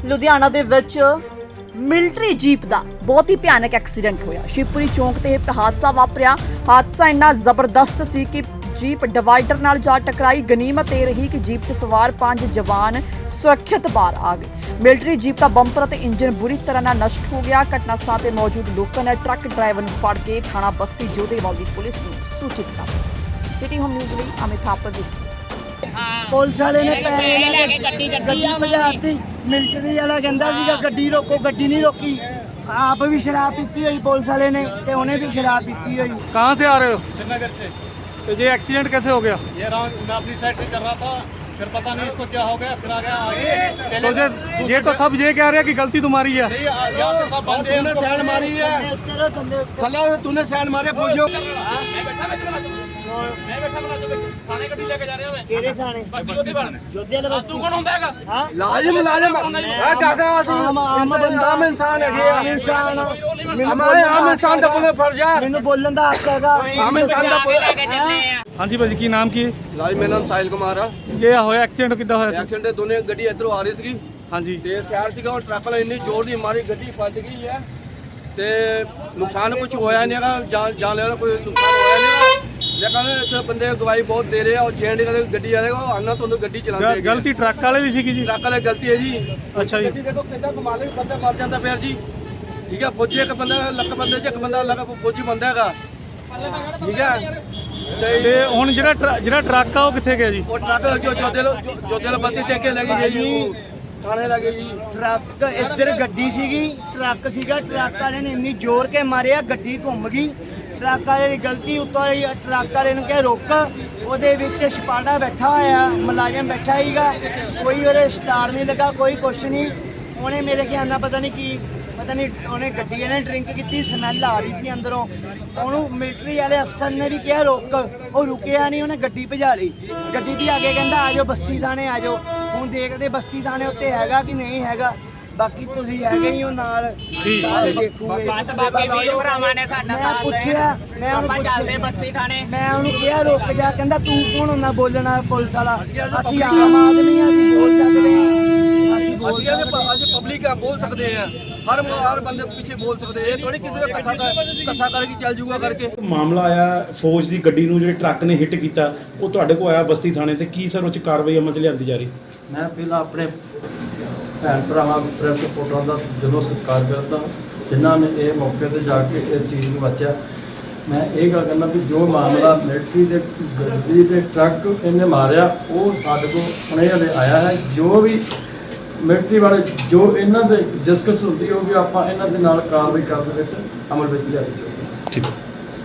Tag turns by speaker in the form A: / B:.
A: ਲੁਧਿਆਣਾ ਦੇ ਵਿੱਚ military jeep ਦਾ ਬਹੁਤ ਹੀ ਭਿਆਨਕ ਐਕਸੀਡੈਂਟ ਹੋਇਆ। ਸ਼ਿਵਪੁਰੀ ਚੌਂਕ ਤੇ ਇਹ ਹਾਦਸਾ ਵਾਪਰਿਆ। ਹਾਦਸਾ ਇੰਨਾ ਜ਼ਬਰਦਸਤ ਸੀ ਕਿ ਜੀਪ ਡਿਵਾਈਡਰ ਨਾਲ ਜਾ ਟਕਰਾਈ। ਗਨੀਮਤ ਇਹ ਰਹੀ ਕਿ ਜੀਪ 'ਚ ਸਵਾਰ 5 ਜਵਾਨ ਸੁਰੱਖਿਅਤ ਬਾਹਰ ਆ ਗਏ। ਮਿਲਟਰੀ ਜੀਪ ਦਾ ਬੰਪਰ ਅਤੇ ਇੰਜਨ ਬੁਰੀ ਤਰ੍ਹਾਂ ਨਾਲ ਨਸ਼ਟ ਹੋ ਗਿਆ। ਘਟਨਾ ਸਥਾਨ ਤੇ ਮੌਜੂਦ ਲੋਕਾਂ ਨੇ ਟਰੱਕ ਡਰਾਈਵਰ ਨੂੰ ਫੜ ਕੇ ਥਾਣਾ ਬਸਤੀ ਜੋਧੇਵਾਲ ਦੀ ਪੁਲਿਸ ਨੂੰ ਸੂਚਿਤ ਕਰ ਦਿੱਤਾ। ਸਿਟੀ ਹੋਮ ਨਿਊਜ਼ ਲਈ ਅਮਿਤ ਥਾਪਰ ਦੀ
B: ਪੁਲਿਸ ਵਾਲੇ ਨੇ ਪੈਸੇ ਗੱਡੀ ਭਜਾਤੀ। ਮਿਲਟਰੀ ਵਾਲਾ ਕਹਿੰਦਾ ਸੀਗਾ ਗੱਡੀ ਰੋਕੋ, ਗੱਡੀ ਨਹੀਂ ਰੋਕੀ। ਆਪ भी शराब पीती हुई पुलिस वाले ने ते उन्हें भी शराब पीती हुई।
C: कहाँ से आ रहे हो?
D: श्रीनगर से।
C: तो ये एक्सीडेंट कैसे हो गया?
D: ये राउंड अपनी साइड से चल रहा था, फिर पता नहीं इसको क्या हो गया, फिर आ गया आगे।
C: तो ये तो सब ये कह रहे हैं कि गलती तुम्हारी है।
D: यहाँ पे सब बंदे हैं, सैंड मारी है, थल्ला तूने सैंड मारे फौजियों।
B: ਕਿਹੜੇ ਥਾਣੇ? ਜੋਧੇ ਵਾਲਾ
D: ਤੂੰ ਕੌਣ ਹੁੰਦਾ ਹੈਗਾ?
B: ਹਾਂ
D: ਲਾਜ਼ਮ ਇਹ ਦੱਸ
B: ਆਮ ਬੰਦਾ
D: ਆਮ ਇਨਸਾਨ ਹੈਗੇ
B: ਆਮ ਇਨਸਾਨ
D: ਆਮ ਇਨਸਾਨ ਦਾ ਕੋਈ ਫਰਜ਼ ਹੈ।
B: ਮੈਨੂੰ ਬੋਲਣ ਦਾ ਹੱਕ ਹੈਗਾ।
D: ਆਮ ਇਨਸਾਨ ਦਾ ਕੋਈ
C: हाँ जी भाजी की नाम की?
D: ਲਾਜ ਮੇਰਾ ਨਾਮ ਸਾਹਿਲ ਕੁਮਾਰ ਆ।
C: ये होया एक्सीडेंट किदा होया?
D: ਐਕਸੀਡੈਂਟ ਦੋਨੇ ਗੱਡੀ ਇੱਧਰੋਂ ਆ ਰਹੀ ਸੀਗੀ
C: हाँ जी
D: ਤੇ ਸ਼ਹਿਰ ਸੀਗਾ ਉਹ ਟਰੱਕ ਵਾਲਾ ਇੰਨੀ ਜ਼ੋਰ ਦੀ ਮਾਰੀ ਗੱਡੀ ਫਟ ਗਈ ਹੈ ਤੇ ਨੁਕਸਾਨ ਕੁਝ ਹੋਇਆ ਨਹੀਂ ਹੈਗਾ, ਜਾਨ ਲੈਣਾ ਕੋਈ ਨੁਕਸਾਨ ਹੋਇਆ ਨਹੀਂ ਹੈਗਾ। ਲੇਕਿਨ ਇੱਥੇ ਬੰਦੇ ਗਵਾਹੀ ਬਹੁਤ ਦੇ ਰਹੇ ਆ ਔਰ ਜੇਐਨਡੀ ਵਾਲੇ ਗੱਡੀ ਵਾਲੇ ਉਹ ਆਨਾ ਤੁਹਾਨੂੰ ਗੱਡੀ ਚਲਾਉਂਦੇ ਹੈਗੇ।
C: गलती ट्रक वाले दी सीगी जी?
D: ਟਰੱਕ ਵਾਲੇ ਗਲਤੀ ਹੈ ਜੀ।
C: अच्छा जी।
D: ਗੱਡੀ ਦੇਖੋ ਕਿੱਦਾਂ ਕਮਾ ਲਈ, ਬੰਦਾ ਮਰ ਜਾਂਦਾ ਫਿਰ ਜੀ। ਠੀਕ ਹੈ, ਫੌਜੀ ਇੱਕ ਬੰਦਾ ਲੱਖ ਬੰਦੇ 'ਚ ਇੱਕ ਬੰਦਾ ਲੱਖ ਫੌਜੀ ਬੰਦਾ ਹੈਗਾ। ਠੀਕ ਹੈ
C: ਤੇ ਹੁਣ ਜਿਹੜਾ ਟਰੱਕ ਆ ਉਹ ਕਿੱਥੇ ਗਿਆ ਜੀ?
D: ਉਹ ਟਰੱਕ ਜੋ ਜੋਦੇ ਬਸਤੀ ਟੇਕ ਕੇ ਲੈ ਗਈ ਜੀ, ਉਹ ਥਾਣੇ ਲੈ ਗਈ ਜੀ।
B: ਟਰੱਕ ਇੱਧਰ ਗੱਡੀ ਸੀਗੀ, ਟਰੱਕ ਸੀਗਾ। ਟਰੱਕ ਵਾਲੇ ਨੇ ਇੰਨੀ ਜ਼ੋਰ ਕੇ ਮਾਰਿਆ ਗੱਡੀ ਘੁੰਮ ਗਈ। ਟਰੱਕ ਵਾਲੇ ਦੀ ਗਲਤੀ ਉੱਤੋਂ ਟਰੱਕ ਵਾਲੇ ਨੂੰ ਕਿਹਾ ਰੁਕ। ਉਹਦੇ ਵਿੱਚ ਛਪਾੜਾ ਬੈਠਾ ਹੋਇਆ, ਮੁਲਾਜ਼ਮ ਬੈਠਾ ਹੀਗਾ, ਕੋਈ ਉਹਦੇ ਸਟਾਰ ਨਹੀਂ ਲੱਗਾ, ਕੋਈ ਕੁਛ ਨਹੀਂ। ਉਹਨੇ ਮੇਰੇ ਖਿਆਲ ਨਾਲ ਪਤਾ ਨਹੀਂ ਉਹਨੇ ਗੱਡੀ ਵਾਲੇ ਨੇ ਡਰਿੰਕ ਕੀਤੀ, ਸਮੈਲ ਆ ਰਹੀ ਸੀ ਅੰਦਰੋਂ। ਉਹਨੂੰ ਮਿਲਟਰੀ ਵਾਲੇ ਅਫਸਰ ਨੇ ਵੀ ਕਿਹਾ ਰੁਕ, ਉਹ ਰੁਕਿਆ ਨਹੀਂ, ਉਹਨੇ ਗੱਡੀ ਭਜਾ ਲਈ। ਗੱਡੀ ਦੀ ਅੱਗੇ ਕਹਿੰਦਾ ਆ ਜਾਓ ਬਸਤੀ ਥਾਣੇ ਆ ਜਾਓ। ਹੁਣ ਦੇਖਦੇ ਬਸਤੀ ਥਾਣੇ ਉੱਤੇ ਹੈਗਾ ਕਿ ਨਹੀਂ ਹੈਗਾ। ਬਾਕੀ ਤੁਸੀਂ ਹੈਗੇ ਹੀ ਹੋ ਨਾਲ, ਸਾਰੇ ਦੇਖੂਗੇ। ਮੈਂ ਪੁੱਛਿਆ, ਮੈਂ ਉਹਨੂੰ ਕਿਹਾ ਰੁਕ ਜਾ। ਕਹਿੰਦਾ ਤੂੰ ਕੌਣ ਹੁੰਦਾ ਬੋਲਣਾ ਪੁਲਿਸ ਵਾਲਾ? ਅਸੀਂ ਆਮ ਆਦਮੀ ਆ, ਅਸੀਂ ਬੋਲ ਸਕਦੇ ਹਾਂ।
D: ਅਸੀਂ ਪਬਲਿਕ ਆ, ਬੋਲ ਸਕਦੇ ਆ। ਹਰ ਬੰਦੇ ਪਿੱਛੇ ਬੋਲ ਸਕਦੇ। ਇਹ ਥੋੜੀ ਕਿਸੇ ਦਾ ਕੱਸਾ ਕਰਕੇ ਚੱਲ ਜੂਗਾ ਕਰਕੇ।
E: ਮਾਮਲਾ ਆਇਆ ਫੌਜ ਦੀ ਗੱਡੀ ਨੂੰ ਜਿਹੜੇ ਟਰੱਕ ਨੇ ਹਿੱਟ ਕੀਤਾ, ਉਹ ਤੁਹਾਡੇ ਕੋਲ ਆਇਆ ਬਸਤੀ ਥਾਣੇ ਤੇ। ਕੀ ਸਰ ਉਹ 'ਚ ਕਾਰਵਾਈ ਅਮਲ 'ਚ ਲਿਆਂਦੀ ਜਾ ਰਹੀ?
F: ਮੈਂ ਪਹਿਲਾਂ ਆਪਣੇ ਭੈਣ ਭਰਾਵਾਂ ਪ੍ਰੈਸ ਰਿਪੋਰਟਰਾਂ ਦਾ ਦਿਲੋਂ ਸਤਿਕਾਰ ਕਰਦਾ ਜਿਨ੍ਹਾਂ ਨੇ ਇਹ ਮੌਕੇ ਤੇ ਜਾ ਕੇ ਇਸ ਚੀਜ਼ ਨੂੰ ਬਚਿਆ। ਮੈਂ ਇਹ ਗੱਲ ਕਰਨਾ ਵੀ ਜੋ ਮਾਮਲਾ ਮਿਲਟਰੀ ਦੇ ਗੱਡੀ ਤੇ ਟਰੱਕ ਇਹਨੇ ਮਾਰਿਆ ਉਹ ਸਾਡੇ ਕੋਲ ਹੁਣੇ ਹਲੇ ਆਇਆ ਹੈ। ਜੋ ਵੀ ਮਿਲਟਰੀ ਵਾਲੇ ਜੋ ਇਹਨਾਂ ਦੇ ਡਿਸਕਸ ਹੁੰਦੀ ਉਹ ਵੀ ਆਪਾਂ ਇਹਨਾਂ ਦੇ ਨਾਲ ਕਾਰਵਾਈ ਕਰਨ ਦੇ ਵਿੱਚ ਅਮਲ ਵਿੱਚ ਲਿਆਂਦੀ ਜਾਊਗੀ।
E: ਠੀਕ ਹੈ।